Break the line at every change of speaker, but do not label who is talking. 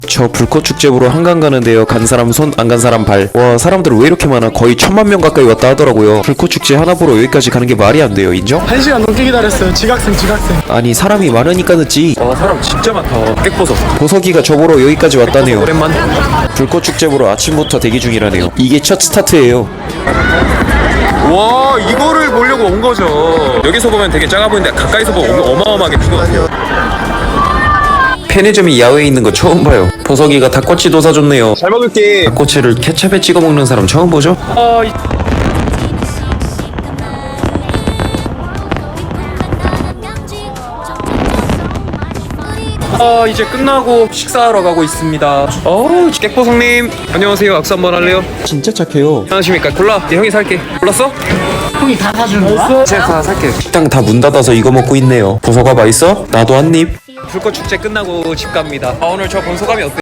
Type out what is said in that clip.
저 불꽃 축제 보러 한강 가는데요. 간 사람 손, 안 간 사람 발. 와, 사람들 왜 이렇게 많아? 거의 1000만 명 가까이 왔다 하더라고요. 불꽃 축제 하나 보러 여기까지 가는 게 말이 안 돼요. 인정?
1시간 넘게 기다렸어요. 지각생.
아니, 사람이 많으니까 늦지.
와 사람 진짜 많다. 객보석
보석이가 저 보러 여기까지 왔다네요.
오랜만.
불꽃 축제 보러 아침부터 대기 중이라네요. 이게 첫 스타트예요.
와 이거를 보려고 온 거죠. 여기서 보면 되게 작아 보이는데 가까이서 보면 어마어마하게 큰 것 같아요.
편의점이 야외에 있는 거 처음 봐요. 보석이가 닭꼬치도 사줬네요.
잘 먹을게.
닭꼬치를 케첩에 찍어 먹는 사람 처음 보죠?
이제 끝나고 식사하러 가고 있습니다. 객보성님 안녕하세요. 악수 한번 할래요?
진짜 착해요.
안녕하십니까. 콜라. 네, 형이 살게. 골랐어?
형이 다 사주는 거야?
제가 다 살게.
식당 다 문 닫아서 이거 먹고 있네요. 보석아 맛있어? 나도 한 입.
불꽃 축제 끝나고 집 갑니다. 오늘 저 본 소감이 어때요?